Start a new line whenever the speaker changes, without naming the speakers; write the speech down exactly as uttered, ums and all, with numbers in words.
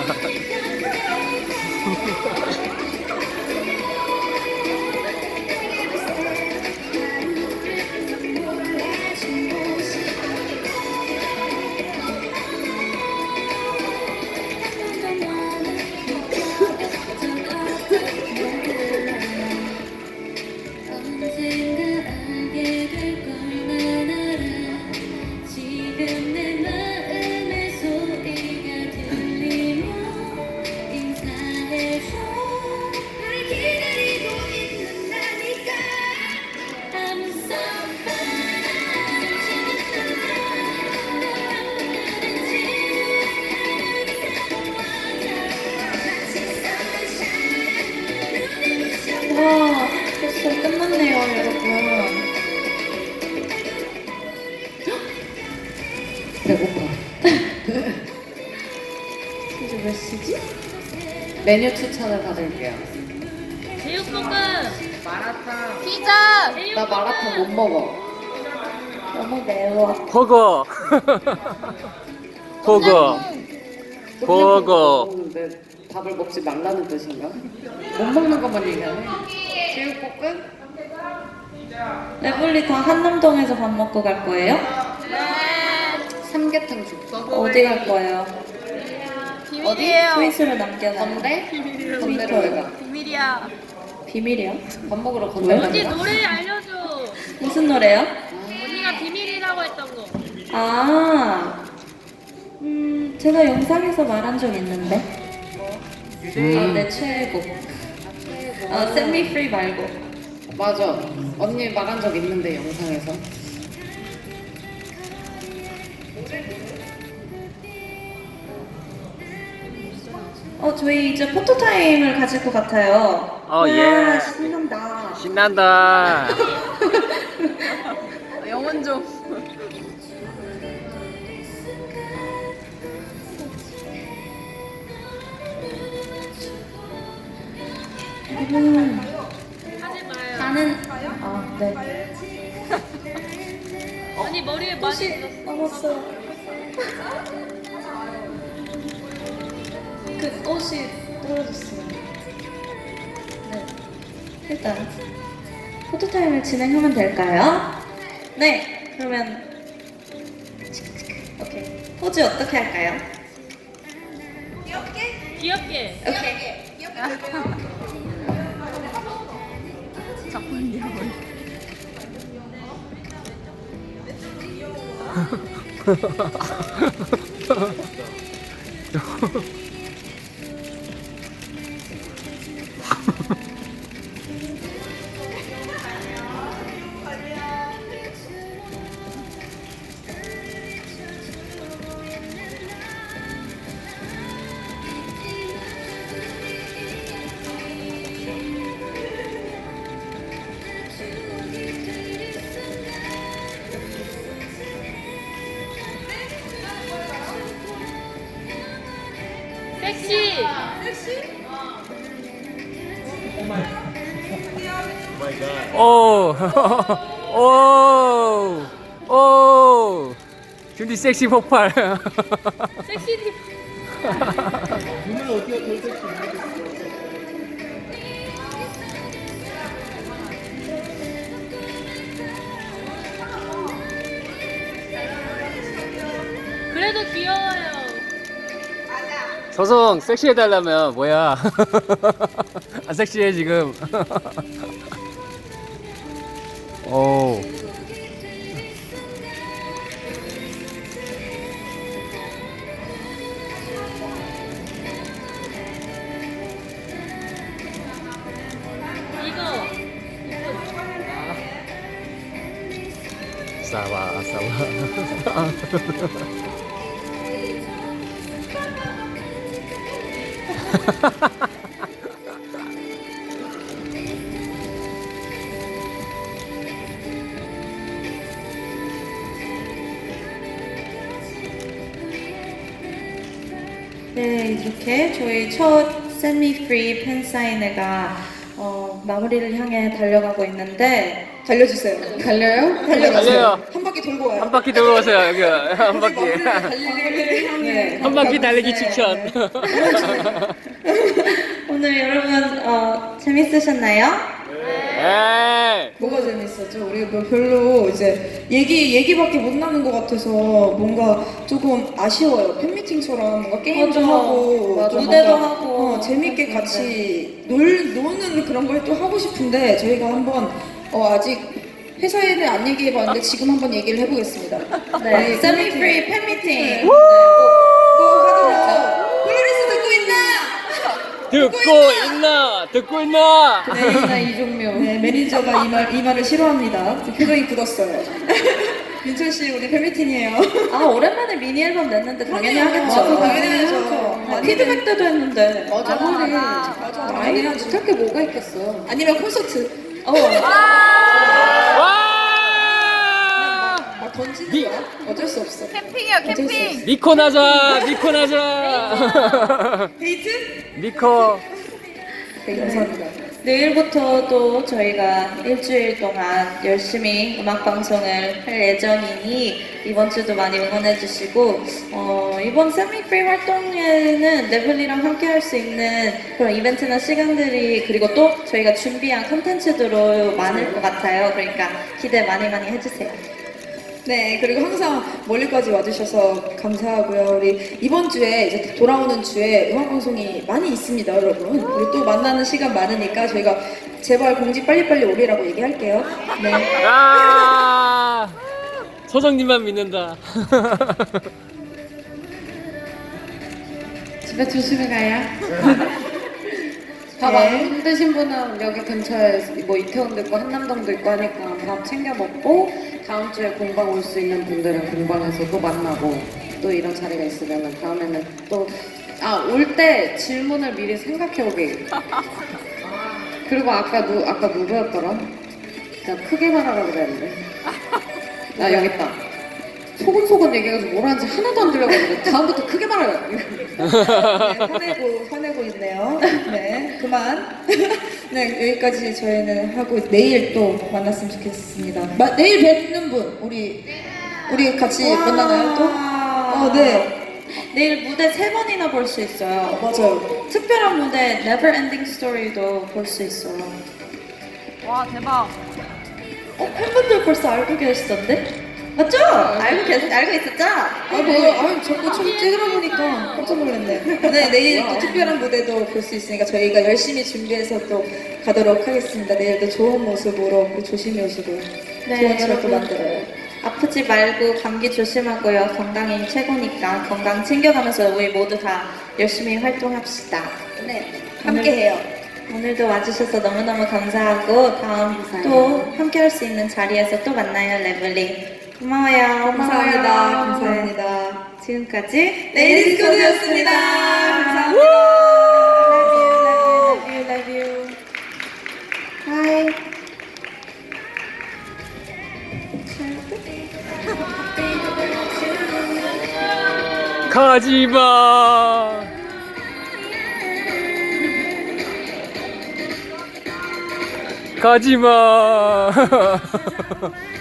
와, 벌써 끝났네요, 여러분.
배고파.
이제 몇 시지?
메뉴 추천을 받을게요.
제육볶음,
마라탕.
피자,
나 마라탕 못 먹어.
너무 매워.
버거. 버거. 버거.
먹는데 밥을 먹지 말라는 뜻인가? 못 먹는 것만 얘기하네. 제육볶음?
레블리 다 한남동에서 밥 먹고 갈 거예요?
삼계탕 죽서?
어디 갈 거예요?
비밀이에요.
트윗으로 남겨놔요.
건대?
트위터요.
건대로 왜 가?
비밀이야.
비밀이요?
밥 먹으러 건대
언니
가는
노래 알려줘.
무슨 노래요?
언니가 비밀이라고 했던 거.
아, 음, 제가 영상에서 말한 적 있는데. 아, 내 최애곡. 아, Set Me Free 말고.
맞아. 언니 말한 적 있는데 영상에서.
어, 저희 이제 포토타임을 가질 것 같아요.
어,
와,
예.
신난다.
신난다.
영혼 좀.
음,
하지 마요.
나는, 아, 네.
언니 머리에 많이
꽃이 넘었어요. 그 꽃이 떨어졌어요. 네. 일단 포토타임을 진행하면 될까요? 네. 그러면 오케이. 포즈 어떻게 할까요?
귀엽게.
오케이.
섹시.
오. 오. 오. 준비 섹시 폭발.
섹시 티. 그래도 귀여워요.
저성 섹시해달라면 뭐야? 안 섹시해 지금. 오.
이거.
싸와 싸와.
네, 이렇게 저희 첫 Set Me Free 팬사인회가 어, 마무리를 향해 달려가고 있는데
달려주세요.
달려요?
달려요.
한 바퀴 돌고 와요.
한 바퀴 돌고 오세요 여기 한 바퀴.
달리기를 향해.
한 바퀴 달리기 추천.
오늘 여러분 어, 재밌으셨나요?
네.
뭐가 재밌었죠? 우리 뭐 별로 이제 얘기 얘기밖에 못 나눈 것 같아서 뭔가 조금 아쉬워요. 팬미팅처럼 뭔가 게임도
맞아.
하고
맞아.
또
무대도
뭔가,
하고.
어, 재밌게 같이 놀 노는 그런 걸 또 하고 싶은데 저희가 한번 어, 아직 회사에는 안 얘기해봤는데 지금 한번 얘기를 해보겠습니다.
네,
우리
세미
팬미팅.
프리 팬미팅.
네, 꼭, 꼭 하도록. 플로리스 듣고 있나?
듣고 있나? 듣고 있나?
레이나 이종묘.
네, 매니저가 이 말 이 말을 싫어합니다. 표정이 굳었어요. 민철 씨 우리 팬미팅이에요.
아 오랜만에 미니 앨범 냈는데 당연히
그럼요.
하겠죠.
맞아, 당연히 해야죠.
아, 피드백 때도 했는데.
맞아. 아무리
맞아.
당연히 못할 게 뭐가 있겠어.
아니면 콘서트.
어.
와!
막 던지는
미-
거야? 어쩔 수 없어.
캠핑이요
어쩔 수 없어.
미코 나자 미코 나자.
데이트?
미코.
네, 감사합니다.
내일부터 또 저희가 일주일 동안 열심히 음악 방송을 할 예정이니 이번 주도 많이 응원해 주시고 어, 이번 세미 프리 활동에는 네블리랑 함께 할 수 있는 그런 이벤트나 시간들이 그리고 또 저희가 준비한 콘텐츠들로 많을 것 같아요. 그러니까 기대 많이 많이 해주세요.
네, 그리고 항상 멀리까지 와주셔서 감사하고요. 우리 이번 주에 이제 돌아오는 주에 음악 방송이 많이 있습니다, 여러분. 우리 또 만나는 시간 많으니까 저희가 제발 공지 빨리빨리 오리라고 얘기할게요. 네.
아! 소정님만 믿는다.
집에 조심히 가요. 밥 안 힘드신 분은 여기 근처에 뭐 이태원도 있고 한남동도 있고 하니까 밥 챙겨 먹고 다음 주에 공방 올 수 있는 분들은 공방에서 또 만나고 또 이런 자리가 있으면 다음에는 또 아 올 때 질문을 미리 생각해 오게. 그리고 아까 누 아까 누구였더라? 나 크게 말하라고 그랬는데. 나 여기 있다. 소곤소곤 얘기해가지고 뭘 하는지 하나도 안 들려가지고 다음부터 크게 말하라.
네, 화내고, 화내고 있네요. 네, 그만. 네, 여기까지 저희는 하고 내일 또 만났으면 좋겠습니다. 마, 내일 뵙는 분, 우리, 우리 같이
와.
만나나요 또? 어, 네.
내일 무대 세 번이나 볼 수 있어요.
맞아요.
특별한 무대 Never Ending Story도 볼 수 있어요.
와 대박.
어, 팬분들 벌써 알고 계시던데? 맞죠? 알고 계시, 알고 있었죠?
아, 뭐, 아, 자꾸 좀 찍으러 보니까 깜짝 놀랐네. 네, 내일 또 특별한 무대도 볼 수 있으니까 저희가 열심히 준비해서 또 가도록 하겠습니다. 내일도 좋은 모습으로 우리 조심히 오시고요.
네,
좋은 추억 또
여러분.
만들어요.
아프지 말고 감기 조심하고요. 건강이 최고니까 건강 챙겨가면서 우리 모두 다 열심히 활동합시다.
네, 함께해요.
오늘도 와주셔서 너무너무 감사하고 다음 또 함께 할 수 있는 자리에서 또 만나요, 레블리. 고마워요.
감사합니다.
고마워요.
감사합니다.
지금까지
레이디스 코드였습니다. 감사합니다.
Love you, love you, love you, love you. Bye.
가지마. 가지마.